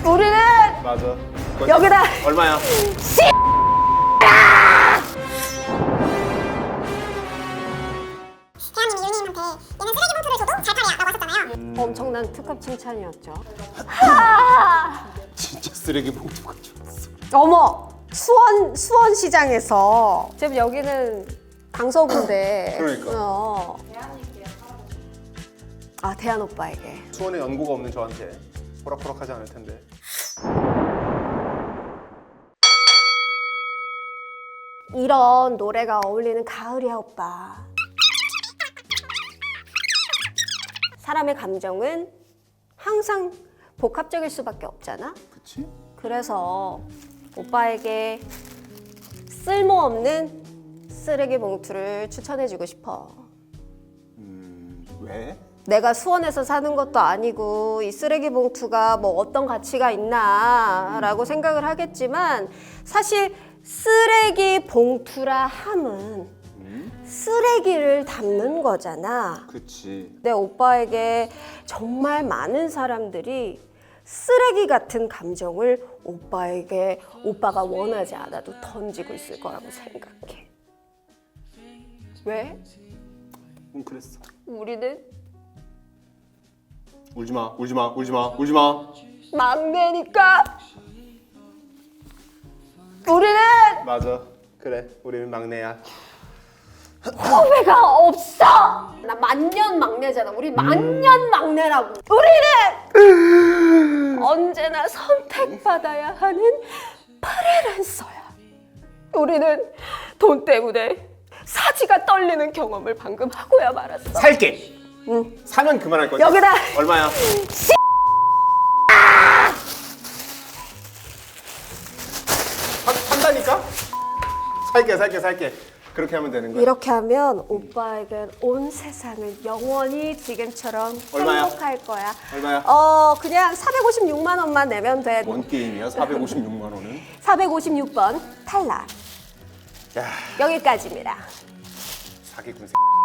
우리는 맞아. 여기다 얼마야? 대한민국 유니님한테 얘는 쓰레기 봉투를 줘도 잘 팔이야 라고 하셨잖아요. 엄청난 특급 칭찬이었죠. 진짜 쓰레기 봉투 가져왔어. 어머, 수원시장에서 지금 여기는 강서구인데. 그러니까. 아, 대한 오빠에게. 수원에 연고가 없는 저한테 호락호락하지 않을 텐데. 이런 노래가 어울리는 가을이야, 오빠. 사람의 감정은 항상 복합적일 수밖에 없잖아. 그치? 그래서 오빠에게 쓸모없는 쓰레기 봉투를 추천해주고 싶어. 왜? 내가 수원에서 사는 것도 아니고 이 쓰레기 봉투가 뭐 어떤 가치가 있나 라고 생각을 하겠지만, 사실 쓰레기 봉투라 함은 쓰레기를 담는 거잖아. 그치. 내 오빠에게 정말 많은 사람들이 쓰레기 같은 감정을 오빠에게 오빠가 원하지 않아도 던지고 있을 거라고 생각해. 왜? 그랬어. 우리는 울지마, 울지마, 울지마, 울지마. 막내니까. 우리는 맞아. 그래, 우리는 막내야. 후배가 없어. 나 만년 막내잖아. 우리 만년 막내라고. 우리는 언제나 선택받아야 하는 프리랜서야. 우리는 돈 때문에 사지가 떨리는 경험을 방금 하고야 말았어. 살게. 사면 그만할 거지. 여기다 얼마야? 산다니까? 살게. 그렇게 하면 되는 거야. 이렇게 하면 오빠에겐 온 세상을 영원히 지금처럼 얼마야? 행복할 거야. 얼마야? 그냥 456만 원만 내면 돼. 뭔 게임이야? 456만 원은? 456번 탈락. 야, 여기까지입니다. 사기꾼 새끼.